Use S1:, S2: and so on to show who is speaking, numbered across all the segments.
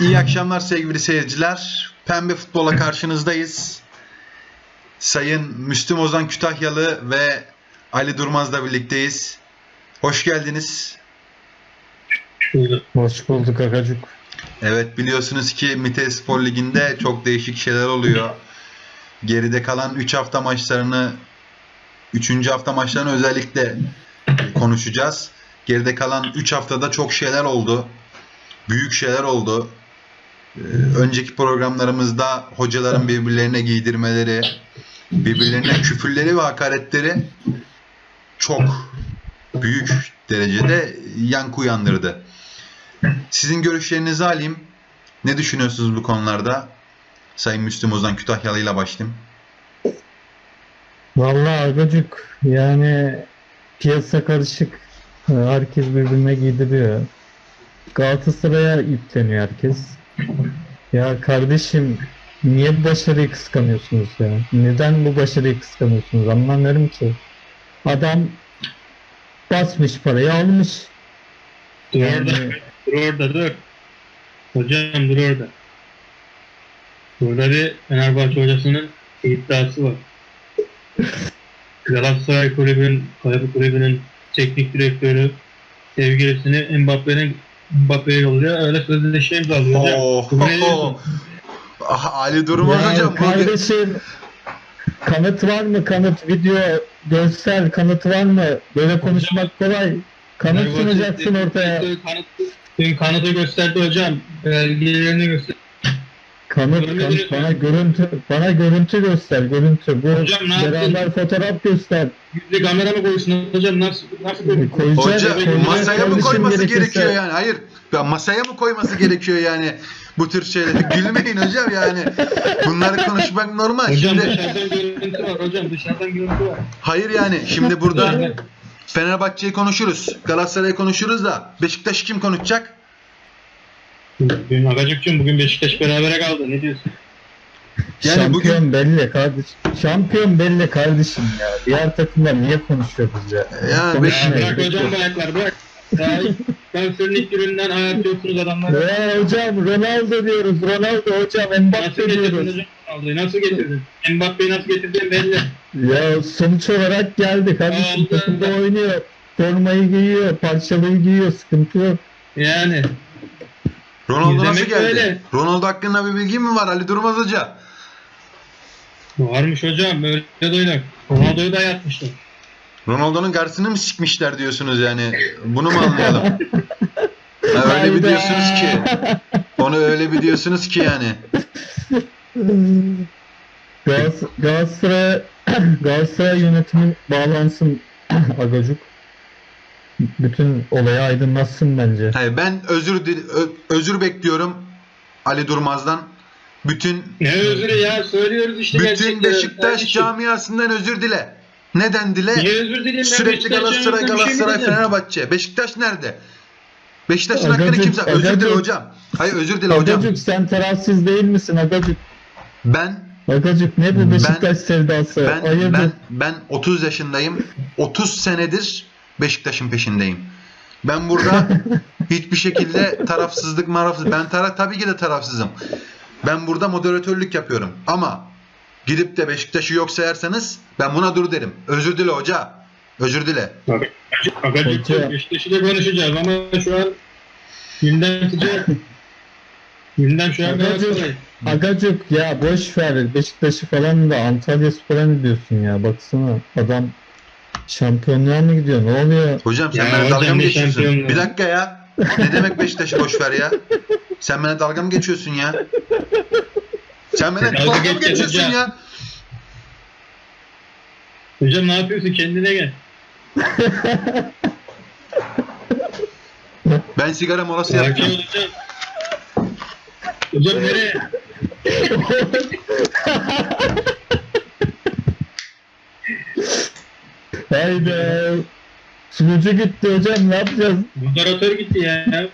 S1: İyi akşamlar sevgili seyirciler. Pembe Futbol'a karşınızdayız. Sayın Müslüm Ozan Kütahyalı ve Ali Durmaz'la birlikteyiz. Hoş geldiniz.
S2: Hoş bulduk Agacuk.
S1: Evet, biliyorsunuz ki Mithat Spor Ligi'nde çok değişik şeyler oluyor. Geride kalan 3 hafta maçlarını, 3. hafta maçlarını özellikle konuşacağız. Geride kalan 3 haftada çok şeyler oldu. Büyük şeyler oldu. Önceki programlarımızda hocaların birbirlerine giydirmeleri, birbirlerine küfürleri ve hakaretleri çok büyük derecede yankı uyandırdı. Sizin görüşlerinizi alayım. Ne düşünüyorsunuz bu konularda? Sayın Müslüm Ozan Kütahyalı ile başlayayım.
S2: Vallahi Agacuk, yani piyasa karışık. Herkes birbirine giydiriyor. Galatasaray'a yükleniyor herkes. Ya kardeşim, niye bu başarıyı kıskanıyorsunuz ya? Neden bu başarıyı kıskanıyorsunuz? Anlamıyorum ki. Adam basmış parayı almış.
S3: Dur
S2: Yani-
S3: orada, dur orada, dur. Hocam dur orada. Burada bir Fenerbahçe hocasının iddiası var. Galatasaray kulübünün teknik direktörü sevgilisini Mbappe'ye yolluyor. Öyle sözleşme imzalıyor hocam.
S1: Oh,
S3: Bu ne diyorsun?
S1: Ali Durmaz
S2: Ya
S1: hocam.
S2: kardeşim, kanıt var mı? Kanıt, video, görsel kanıtı var mı? Böyle konuşmak kolay. Kanıt
S3: Fenerbahçe
S2: sunacaksın
S3: teknik
S2: ortaya.
S3: direktörü kanıtı gösterdi hocam. Belgelerini gösterdi.
S2: Kanıt, bana görüntü göster, görüntü. Bu
S3: Hocam ne
S2: beraber fotoğraf göster.
S3: Yüzde kamera mı koysun hocam? Nasıl
S2: Koyacak,
S1: Hoca
S2: koyacak
S1: masaya mı
S2: kardeşim
S1: koyması
S2: gerekirse.
S1: gerekiyor yani? Hayır. Ya masaya mı koyması gerekiyor yani? Bu tür şeyleri. Gülmeyin hocam yani. Bunları konuşmak normal.
S3: Hocam
S1: Şimdi
S3: dışarıdan görüntü var hocam, dışarıdan görüntü var.
S1: hayır yani. Şimdi burada Fenerbahçe'yi konuşuruz. Galatasaray'ı konuşuruz da Beşiktaş'ı kim konuşacak?
S3: Bugün Agacık'cığım, bugün Beşiktaş berabere kaldı, ne diyorsun?
S1: Yani
S2: Şampiyon belli kardeşim. Şampiyon belli kardeşim ya. Diğer takımlar niye konuşuyor biz ya?
S1: Yani
S3: Ya
S2: Konuşmuyor.
S3: bırak hocam bu ayaklar, bırak. Daha transferin ilk gününden ayarlıyorsunuz adamları.
S2: Ya hocam Ronaldo diyoruz. Ronaldo hocam.
S3: Nasıl
S2: Mbappe
S3: getirdin
S2: diyoruz.
S3: hocam Ronaldo'yu, nasıl getirdin? Mbappe'yi nasıl getirdin belli.
S2: Ya sonuç olarak geldi kardeşim.
S3: Allah
S2: Takımda
S3: Allah.
S2: oynuyor. Formayı giyiyor. Parçalıyı giyiyor. Sıkıntı yok.
S3: Yani.
S1: Ronaldo nasıl
S3: İzlemek
S1: geldi?
S3: öyle.
S1: Ronaldo hakkında bir bilgi mi var Ali Durmaz Hoca?
S3: Varmış hocam, böyle de oynar. Ronaldo'yu da yatmışlar.
S1: Ronaldo'nun karşısını mı sikmişler diyorsunuz yani? Bunu mu anlayalım? Ha, öyle bir
S2: Hayda.
S1: diyorsunuz ki. Onu öyle bir diyorsunuz ki yani.
S2: Galatasaray yönetimin bağlansın Agacuk. Bütün olaya aydınlatsın bence.
S1: Hayır, ben özür bekliyorum Ali Durmaz'dan. Bütün
S3: Ne özürü ya, söylüyoruz işte gerçekleri.
S1: Beşiktaş
S3: Kardeşim,
S1: camiasından özür dile. Neden dile?
S3: niye özür dileyim ben?
S1: Sürekli
S3: Beşiktaş
S1: Galatasaray,
S3: camiasına bir şey mi
S1: Galatasaray,
S3: dedim?
S1: Fenerbahçe. Beşiktaş nerede? Beşiktaş'ın hakkını
S2: Agacık,
S1: kimse... Özür dile
S2: Agacık.
S1: hocam. Hayır, özür dile hocam.
S2: Agacuk sen tarafsız değil misin Agacuk?
S1: Ben
S2: Ne bu Beşiktaş sevdası? Hayırdır?
S1: ben 30 yaşındayım. 30 senedir Beşiktaş'ın peşindeyim. Ben burada hiçbir şekilde tarafsızlık tabii ki de tarafsızım. Ben burada moderatörlük yapıyorum. Ama gidip de Beşiktaş'ı yok sayarsanız ben buna dur derim. Özür dile hoca. Özür dile.
S3: Agacık
S2: Hoca.
S3: Beşiktaş'ı da konuşacağız ama şu an gündem sıcak. Gündem şu an
S2: Agacık.
S3: Galatasaray.
S2: Agacuk ya boş ver Beşiktaş'ı falan da Antalyaspor'a ne diyorsun ya? Baksana adam şampiyonluğa mı gidiyor? Ne oluyor?
S1: Hocam sen
S3: Ya
S1: bana
S3: hocam
S1: dalga mı
S3: ne
S1: geçiyorsun?
S3: şampiyonluğu?
S1: Bir dakika ya. Ne demek Beşiktaş'ı boş ver ya? Sen bana dalga mı geçiyorsun ya? Sen bana
S3: Dalga
S1: dalga mı
S3: geçeceğiz
S1: geçiyorsun
S3: hocam.
S1: ya?
S3: Hocam ne yapıyorsun? Kendine gel.
S1: Ben sigara molası
S3: Sakin
S1: yapacağım.
S3: ol hocam. Hocam nereye?
S2: Hayda. Sunucu gitti hocam ne yapacağız?
S3: Moderatör gitti ya.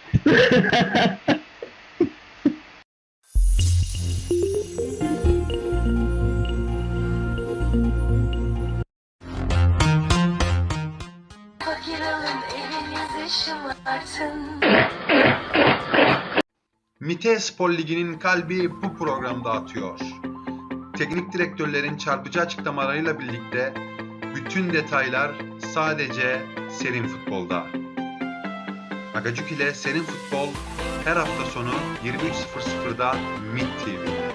S4: Fakir alın evinizi şımartın.
S1: MİTE Spor Ligi'nin kalbi bu programda atıyor. Teknik direktörlerin çarpıcı açıklamalarıyla birlikte bütün detaylar sadece Serin Futbol'da. Agacuk ile Serin Futbol her hafta sonu 23.00'da MİT TV'de.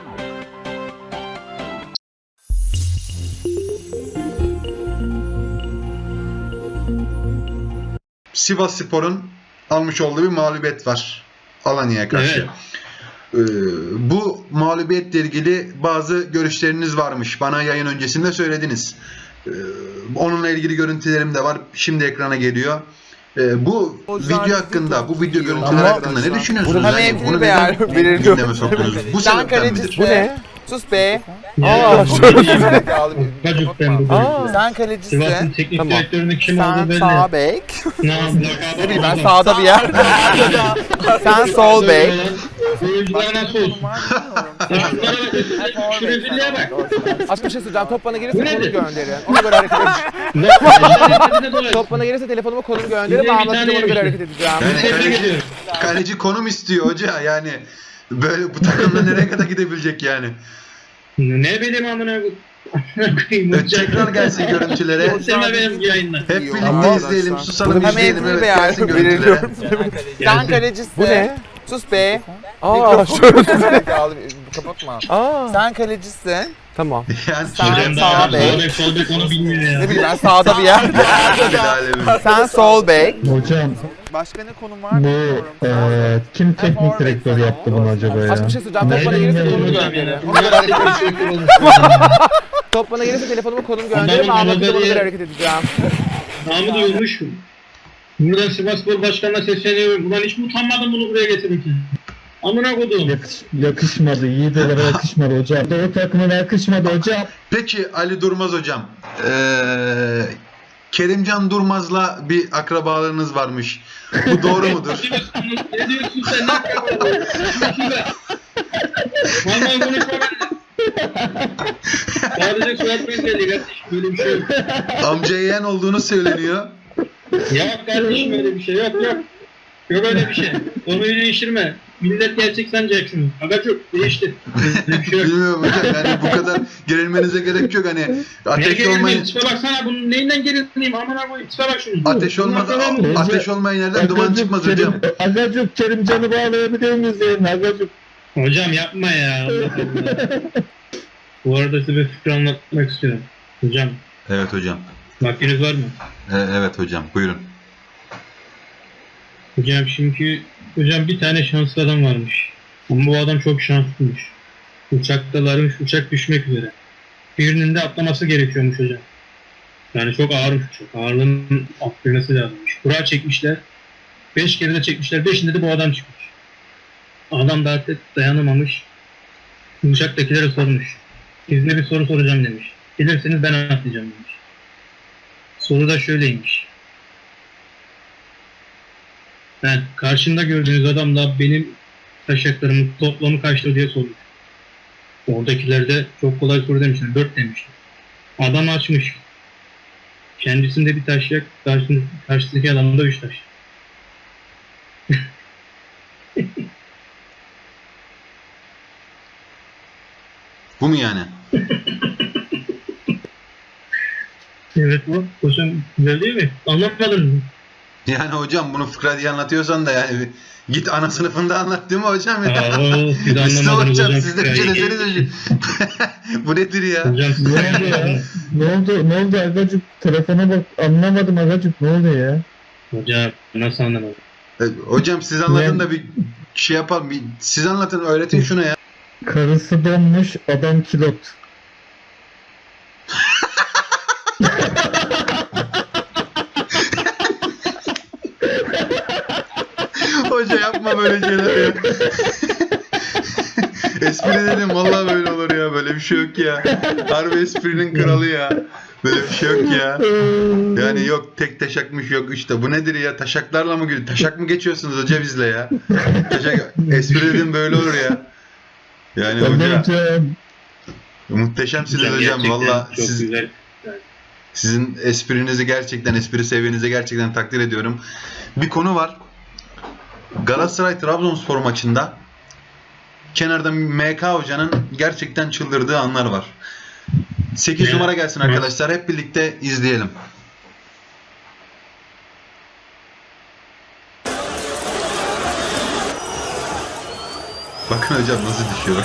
S1: Sivasspor'un almış olduğu bir mağlubiyet var Alanya'ya karşı. Bu mağlubiyetle ilgili bazı görüşleriniz varmış. Bana yayın öncesinde söylediniz. Onunla ilgili görüntülerim de var. Şimdi ekrana geliyor. Bu video hakkında, bu video görüntüler hakkında ne düşünüyorsunuz?
S4: Burhan
S1: Yani
S4: Evgili
S1: bunu
S4: Beyar
S1: neden
S4: belirliyor.
S1: gündeme soktunuz? Bu
S4: Sen
S1: sebepten midir?
S4: kalecisin.
S5: Bu ne?
S4: Sus be.
S3: Ya, Agacuk'tan bu
S4: Sen
S3: Sivas'ın
S4: kalecisin.
S3: teknik
S5: Tamam.
S3: direktörünün kim olduğu
S4: Sen
S3: belli.
S4: sağ bek.
S3: Ne
S4: Ne bileyim ben sağda bir yer. Sen sol bek.
S3: Oyuncular nasıl olsun? Şunlara bak. Şu rezilliğe bak.
S5: Aslında bir şey söyleyeceğim. Top bana
S3: Bu
S5: gelirse konumu
S3: nedir?
S5: gönderin. Ona göre hareket edeceğim.
S3: Ne?
S5: Top bana gelirse telefonumu konumu gönderin.
S3: Bir
S5: Ben
S3: tane
S5: anlatacağım, ona göre
S3: yemiştim.
S5: hareket edeceğim.
S1: Yani
S3: Tebrik
S1: kaleci,
S3: ediyorum.
S1: kaleci konum istiyor hoca yani. Böyle bu takımda nereye kadar gidebilecek yani?
S3: Ne bileyim amına koyayım.
S1: Tekrar gelsin görüntülere.
S3: Sen de benim yayınla.
S1: Hep birlikte
S4: Ama-
S1: izleyelim, susalım,
S4: Burhan
S1: izleyelim.
S4: Evgili
S1: Evet,
S4: Beyar
S1: gelsin görüntülere.
S4: belirliyorum. Sen kalecisin.
S5: Bu ne?
S4: Sus be.
S5: Aa,
S4: Kapatma.
S5: Aa,
S4: Sen kalecisin.
S5: tamam.
S1: Yani
S4: Sen
S3: Hocam
S4: sağ
S3: da
S4: bek.
S3: sol bek onu bilmiyor ya.
S4: Ne bileyim ben sağda bir yer. Sen sol bek.
S2: Hocam
S4: Başka ne konum var
S2: bu
S4: bilmiyorum.
S2: kim teknik direktör yaptı bunu acaba ya?
S5: Aslında bir şey söyleyeceğim. Top bana
S3: Ne
S5: gelirse
S3: bileyim
S5: konumu
S3: hocam
S5: gönderin.
S3: ya.
S5: Ona göre hareket edeceğim.
S3: Adamın
S5: Top bana gelirse telefonumu konumu gönderin. Ben anlatacağım, ona göre hareket edeceğim.
S3: namı duyulmuş. Buradan Sivasspor Başkanı'na sesleniyorum. Ulan hiç mi utanmadın bunu buraya getirmek için? Amına kodum.
S2: Yakışmadı. Yiğitlere yakışmadı hocam. O takıma yakışmadı hocam.
S1: Peki Ali Durmaz hocam. Kerimcan Durmaz'la bir akrabalığınız varmış. Bu doğru mudur?
S3: Ne diyorsun sen? Ne yapıyorsun? Vallahi konuşma ben. Sadece soyad benzerliği kardeşim. Böyle bir şey yok.
S1: Amca yeğen olduğunu söyleniyor.
S3: Yok kardeşim öyle bir şey yok yok. Yok öyle bir şey. Konuyu değiştirme. Millet gerçek sanacak şunu. Agacuk değiştir. Öyle bir şey yok.
S1: Bilmiyorum hocam yani bu kadar gerilmenize gerek yok hani
S3: Ne
S1: ateş
S3: gerilmeyim?
S1: olmayın.
S3: Tipe baksana bunun neyinden gerilmeyim? Amına koyayım. Tipe bak şunu.
S1: Ateş olmadan
S3: Bunlar tamam.
S1: ateş olmayan yerden duman çıkmaz hocam.
S2: Agacuk Kerimcan'ı bağlayabilir miyiz yerine Agacuk?
S3: Hocam yapma ya. Allah Allah. Bu arada size bir fikir anlatmak istiyorum. Hocam
S1: Evet hocam.
S3: vaktiniz var mı?
S1: Evet hocam buyurun.
S3: Hocam şimdi bir tane şanslı adam varmış. Ama bu adam çok şanslıymış. Uçaktalarmış, uçak düşmek üzere. Birinin de atlaması gerekiyormuş hocam. Yani çok ağırmış uçak. Ağırlığının atlaması lazımmış. Kura çekmişler. 5 kere de çekmişler. 5'inde de bu adam çıkmış. Adam da artık dayanamamış. Uçaktakilere sormuş. Sizinle bir soru soracağım demiş. Bilirseniz ben atlayacağım demiş. Soru da şöyleymiş. Ben karşımda gördüğünüz adamla benim taşaklarımın toplamı kaçtı diye sormuş. Oradakiler de çok kolay soru demişler. 4 demişler. Adam açmış. Kendisinde bir taşak, karşısındaki adamda 3 taş.
S1: Bu mu yani?
S3: Evet bu. Hocam güzel değil mi? Anlatmadın mı?
S1: Yani hocam bunu fıkra diye anlatıyorsan da yani git ana sınıfında anlat değil mi hocam ya?
S3: Aa, siz
S1: Siz
S3: anlamadınız
S1: hocam
S3: hocam.
S1: siz de bir şey deseniz hocam. Bu nedir ya?
S3: Hocam siz
S2: Ne oldu ya? Ne oldu Agacuk? Telefona bak, anlamadım Agacuk, ne oldu ya?
S3: Hocam nasıl anlamadın?
S1: Hocam siz anlatın da bir şey yapalım. Siz anlatın öğretin şuna ya.
S2: Karısı donmuş, adam kilot.
S1: Hoca yapma böyle şeyler ya. Espri dedim vallahi böyle olur ya. Böyle bir şey yok ya. Harbi esprinin kralı ya. Böyle bir şey yok ya. Yani yok tek taşakmış yok işte. Bu nedir ya? Taşaklarla mı gülüyor? Taşak mı geçiyorsunuz hoca bizle ya? Taşak, espri dedim böyle olur ya. Yani hoca muhteşemsiniz hocam.
S3: gerçekten
S1: Valla
S3: çok
S1: siz,
S3: güzel.
S1: sizin esprinizi gerçekten, espri seviyenizi gerçekten takdir ediyorum. Bir konu var. Galatasaray Trabzonspor maçında kenarda MK Hoca'nın gerçekten çıldırdığı anlar var. 8 numara gelsin arkadaşlar. Hep birlikte izleyelim. Bakın hocam nasıl düşüyor.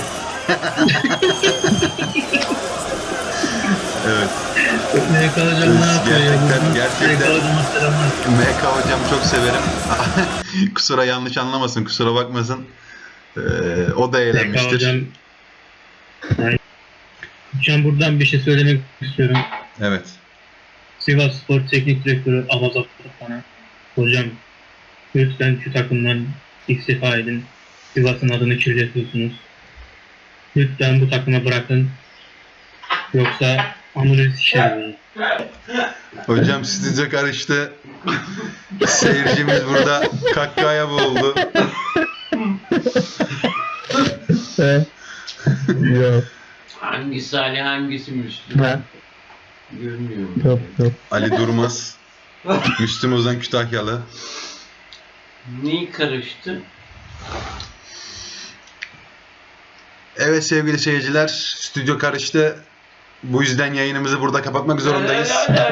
S1: Evet.
S3: MK hocam ne yapıyor ya?
S1: Gerçekten
S3: MK hocama selamlar.
S1: MK hocam çok severim. Kusura yanlış anlamasın, kusura bakmasın. O da
S3: MK
S1: eğlenmiştir.
S3: hocam. Hocam buradan bir şey söylemek istiyorum.
S1: Evet.
S3: Sivas Spor Teknik Direktörü Avaz Aktan'a. Hocam lütfen şu takımdan istifa edin. Sivas'ın adını kirletiyorsunuz. Lütfen bu takıma bırakın. Yoksa amuleti şişer.
S1: Hocam stüdyo karıştı. Seyircimiz burada kahkahaya boğuldu.
S2: Yok.
S6: Hangisi Ali hangisi Müslüm?
S2: Ha,
S6: Görmüyorum.
S2: yok.
S1: Ali Durmaz. Müslüm Ozan Kütahyalı.
S6: Neyi karıştı?
S1: Evet sevgili seyirciler, stüdyo karıştı. Bu yüzden yayınımızı burada kapatmak zorundayız.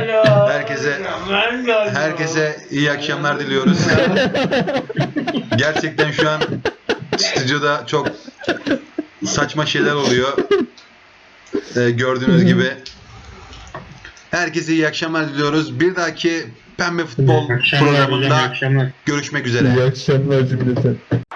S1: Herkese iyi akşamlar diliyoruz. Gerçekten şu an stüdyoda çok saçma şeyler oluyor. Gördüğünüz gibi. Herkese iyi akşamlar diliyoruz. Bir dahaki Pembe Futbol
S3: Akşamlar hocam, iyi
S1: programında
S3: akşamlar.
S1: görüşmek üzere.
S2: İyi akşamlar cümleten.